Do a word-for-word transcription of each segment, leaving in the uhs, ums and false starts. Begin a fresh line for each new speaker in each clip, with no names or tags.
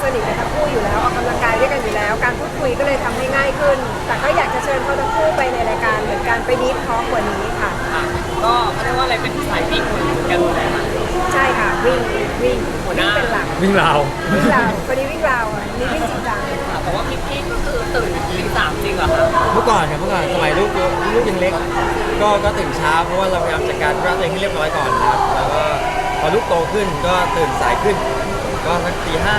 สนิทกันทั้งคู่อยู่แล้วออกกำลังกายด้วยกันอยู่แล้ว การพูดคุยก็เลยทำให้ง่ายขึ้น แต่ก็อยากจะเชิญเขาทั้งคู่ไปในรายการเหมือนกันไปดีฟทอล์กกว่านี้ค่ะ
ก็เขาเรียกว่าอะไรเป็นสายวิ่งเหมือนกันเลยค่ะ
ใช่ค่ะวิ่งวิ่ง
หัวหน้า
เป็นหลัก
วิ่งราว
วิ่งราวคนนี้วิ่งราวอ่ะนี่วิ่งจริงจัง
แต่ว่าพี่พี่ก็คือตื่นตีสามจริงเหรอคะ
เมื่อก่อนครับเมื่อก่อนสมัยลูกลูกยังเล็กก็ก็ตื่นเช้าเพราะว่าเราพยายามจัดการธุระตัวเองให้เรียบร้อยก่อนนะครับแล้วก็พอลูกโตขึ้นก็ตื่นสายขึ้นก็สักตีห้า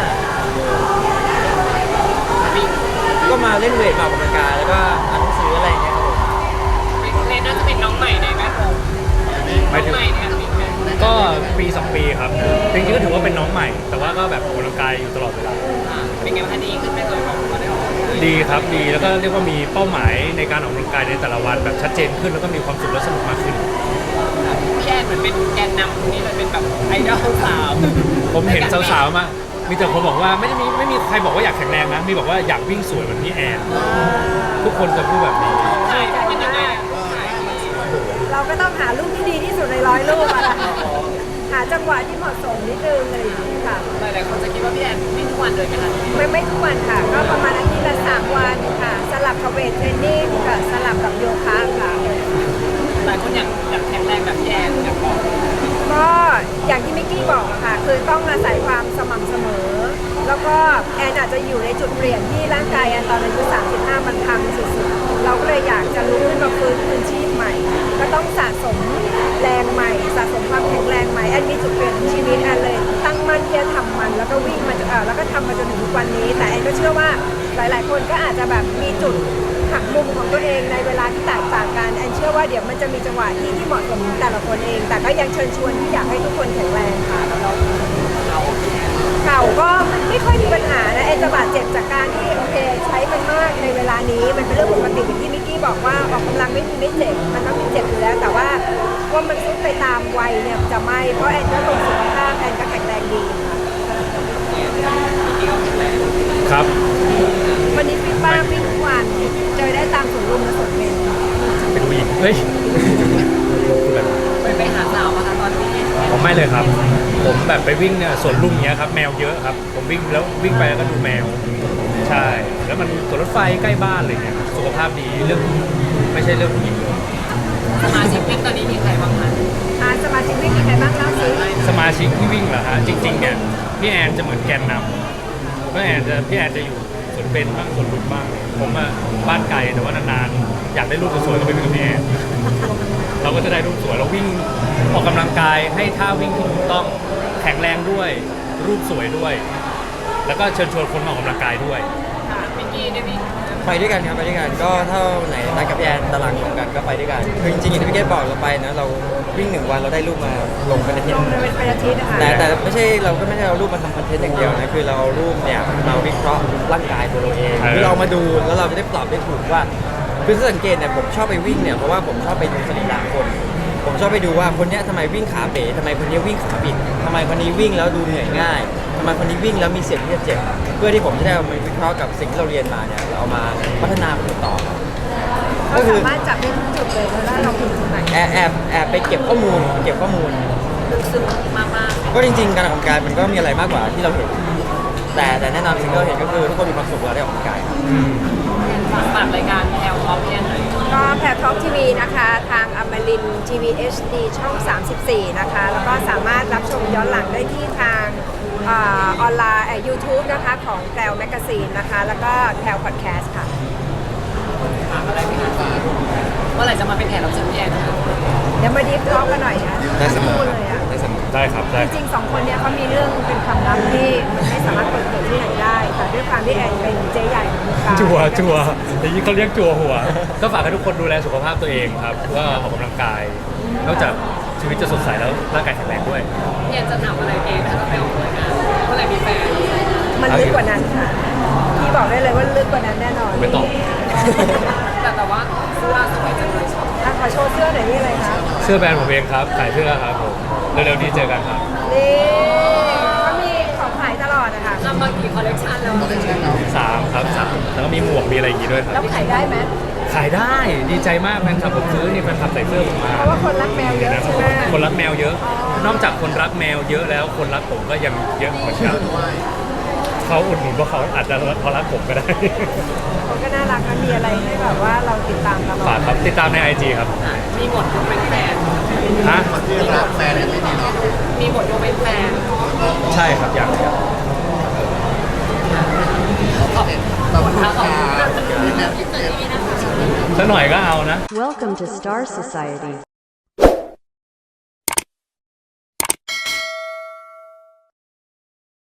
ก็มาเล่นเวทมาออกกำลังกายแล้วก็อ่านหนังสืออะไรเงี้ยครับ
ผมเรนน่าจะเป็นน้องใหม่ในแวดวงน้องใหม่เนี่ย
ก็ปีสองปีครับจริงๆก็ถือว่าเป็นน้องใหม่แต่ว่าก็แบบออกกำลังกายอยู่ตลอดเวลา
เป็นไงคะดีขึ้นไหมตัวของเราได้ออก
ดีครับดีแล้วก็เรียกว่ามีเป้าหมายในการออกกำลังกายในแต่ละวันแบบชัดเจนขึ้นแล้วก็มีความสุขและสนุกมากขึ้น
พี่แอนเหมือนเป็นแกนนำคนนี้เลยเป็นแบบไอดอลสาว
ผมเห็นสาวๆมามีแต่คนบอกว่าไม่ได้มีไม่มีใครบอกว่าอยากแข็งแรงนะมีบอกว่าอยากวิ่งสวยเหมือนพี่แอนทุกคนจะพูดแบบนี้
ใช่เป็นยังไง
เราก็ต้องหารูปที่ดีที่สุดในร้อยรูปอะหาจังหวะที่เหมาะสมนิดนึงอะไรอย่างนี้ค่ะ
หลายๆคนจะคิดว่าพี่แอนวิ่งทุกวันเลยไหมคะ
ไม่ไม่ทุกวันค่ะก็ประมาณอาทิตย์ละสามวันค่ะสลับกับเวทเทรนนิ่งกับสลับกับโยคะค่ะ
หลายคนอยากอยากแข็งแรงแบบพี่แอนอยากบอก
ก็อย่างที่มิกกี้บอกอะค่ะคือต้องอาศัยความสม่ำเสมอแล้วก็แอนอาจจะอยู่ในจุดเปลี่ยนที่ร่างกายแอนตอนอายุสามสิบห้ามันพังสุดๆเราก็เลยอยากจะลุกขึ้นมาฟื้นคืนชีพใหม่ก็ต้องสะสมแรงใหม่สะสมความแข็งแรงใหม่แอนมีจุดเปลี่ยนในชีวิตแอนเลยตั้งมั่นที่จะทำมันแล้วก็วิ่งมาเออแล้วก็ทำมาจนถึงทุกวันนี้แต่แอนก็เชื่อว่าหลายๆคนก็อาจจะแบบมีจุดหักมุมของตัวเองในเวลาที่แตกต่างกันแอนเชื่อว่าเดี๋ยวมันจะมีจังหวะที่ที่เหมาะสมแต่ละคนเองแต่ก็ยังเชิญชวนที่อยากให้ทุกคนแข็งแรงค่ะเข่าก็ไม่ค่อยมีปัญหานะแอนจะบาดเจ็บจากการที่โอเคใช้มันมากในเวลานี้มันเป็นเรื่องปกติอย่างที่มิกกี้บอกว่าออกกำลังไม่มีไม่เจ็บมันต้องมีเจ็บอยู่แล้วแต่ว่าว่ามันซุดไปตามวัยเนี่ยจะไม่เพราะแอนก็ตรงสุขภาพแอนก็แข็งแรงดี
ค่ะครับ
วันนี้ฟิตบ้างฟิตทุกวันเจอได้ตามสวนลุมและสวนเบญ
เป็นผู้หญิงเฮ้ย
ไปไปหาสาวมาคะตอนนี้
ผมไม่เลยครับผมแบบไปวิ่งเนี่ยสวนลุมเนี้ยครับแมวเยอะครับผมวิ่งแล้ววิ่งไปแล้วก็ดูแมวใช่แล้วมันสวนรถไฟใกล้บ้านเลยเนี่ยสุขภาพดีเรื่องไม่ใช่เรื่องผู้หญิง
สมาชิกวิ่งตอนนี้มีใครบ้างคะ
อ่าสมาชิกวิ่งมีใครบ้างแล้วสิ
สมาชิกที่วิ่งเหรอฮะจริงๆเนี่ยพี่แอนจะเหมือนแกนนำพี่แอนจะพี่แอนจะอยู่สวนเบญบ้างสวนลุมบ้างผมอะบ้านไกลแต่ว่านานๆอยากได้รูปสวยๆก็ไปวิ่งกับพี่แอนเราก็จะได้รูปสวยเราวิ่งออกกำลังกายให้ท่าวิ่งที่ถูกต้องแข็งแรงด้วยรูปสวยด้วยแล้วก็เชิญชวนคนมาออกกำลังกายด้วย
มิกกี้ได้วิ่ง
ไปด้วยกันครับไปด้วยกันก็ถ้าไหนนัดกับพี่แอนตารางตรงกันก็ไปด้วยกันคือจริงๆอย่างที่พี่เกดบอกเราไปนะเราวิ่งหนึ่งวันเราได้รูปมาลงเป็นอาทิตย์
เป็นอาทิตย์นะคะ
แต่แต่ไม่ใช่เราก็ไม่ได้เอารูปมาทำคอนเทนต์อย่างเดียวนะคือเราเอารูปเนี่ยเราวิเคราะห์ร่างกายตัวเราเองคือเรามาดูแล้วเราจะได้ปรับได้ถูกว่าคือสังเกตเนี่ยผมชอบไปวิ่งเนี่ยเพราะว่าผมชอบไปดูสรีระคนผมชอบไปดูว่าคนนี้ทำไมวิ่งขาเป๋ทำไมคนนี้วิ่งขาบิดทำไมคนนี้วิ่งแล้วดูเหนื่อยง่ายทำไมคนนี้วิ่งแล้วมีเสี่ยงที่จะเจ็บเพื่อที่ผมจะได้เอามาวิเคราะห์กับสิ่งที่เราเรียนมาเนี่ยเราเอามาพัฒนามันต่อ
ก็สามารถจับได้ทุกจุดเลยว่าเราถึงตรงไหน
แอบแอบแอบไปเก็บข้อมูลเก็บข้อมูล
ลึกซึ้งมากๆ
ก็จริงๆการออกกำลังกายมันก็มีอะไรมากกว่าที่เราเห็นแต่แต่แน่นอนสิ่งที่เราเห็นก็คือทุกคนมีความสุขเวลาได้ออกกำลังกาย
ฝากรายการแพลท็อปเนี่ยหน่อย
ก็แพลท็อปทีวีนะคะทางอมรินทร์ทีวี เอช ดี ช่องสามสิบสี่นะคะแล้วก็สามารถรับชมย้อนหลังได้ที่ทางออนไลน์ยูทูบนะคะของแพลวแมกกาซีนนะคะแล้วก็แพลวพอดแคสต์ค่ะ
ฝากอะไรไหมคะเมื่อไหร่จะมาเป็นแขกรับเชิญพี่แอนคะ
เดี๋ยวมาดีฟท็อกกันหน่อยนะ
ได้เสมอ
เลยอ่ะ
ได้ครับได้
จริงๆสองคนเนี้ยเขามีเรื่องเป็นความลับที่มันไม่สามารถเปิดเผยที่ไหนได้แต่ด้วยความที่แอนเป็นเจ๊ใหญ่ของวงการ
จัวจัวอย่างนี้เขาเรียกจัวหัวก็ฝากให้ทุกคนดูแลสุขภาพตัวเองครับว่าออกกำลังกายนอกจากชีวิตจะสดใสแล้วร่างกายแข็งแรงด้วย
พี่แอนจะถามอะไรเองถ้าเราไปออกรายการเมื่อไหร่มีแฟน
มันลึกกว่านั้นค่ะพี่บอกได้เลยว่าลึกกว่านั้นแน่นอน
ไม่ตอบ
แต่แต่ว่าเสื้อสวยจังเลยชอบ
ขอโชว์เสื้อหน่อยนี่อะไรคะ
เสื้อแบรนด์ผมเองครับขายเสื้อครับผมเร็วๆนี้เจอกันครับ
นี่ก็มีของขายตลอดนะคะ
ทำมากี่คอลเลคชันแล้ว
สามครับสามแล้วก็มีหมวกมีอะไรอย่างงี้ด้วยครับ
แล้วขายได้ไหม
ขายได้ดีใจมากแฟนคลับผมซื้อนี่แฟนคลับใส่เสื้อผมมา
เพราะว่าคนรักแมวเยอะใช่ไหม
คนรักแมวเยอะนอกจากคนรักแมวเยอะแล้วคนรักผมก็ยังเยอะเหมือนกันเขาอุดหนุนเพราะเขาอาจจะเขารักผมก็ได้
เขาก็น่ารักนะมีอะไรให้แบบว่าเราติดตามตลอ
ฝาก
ด
ครับติดตามในไอจีครับ
มีหมดยกเป็นแฟน
ฮะ
คนที่รักแฟนเนี่ยไม่มีเนาะ
มีหมดยกเป็นแฟน
ใช่ครับอย่างอย่าง
ขอบคุณค่ะขอบคุณค่ะ
สักหน่อยก็เอานะ
Welcome to Star Society.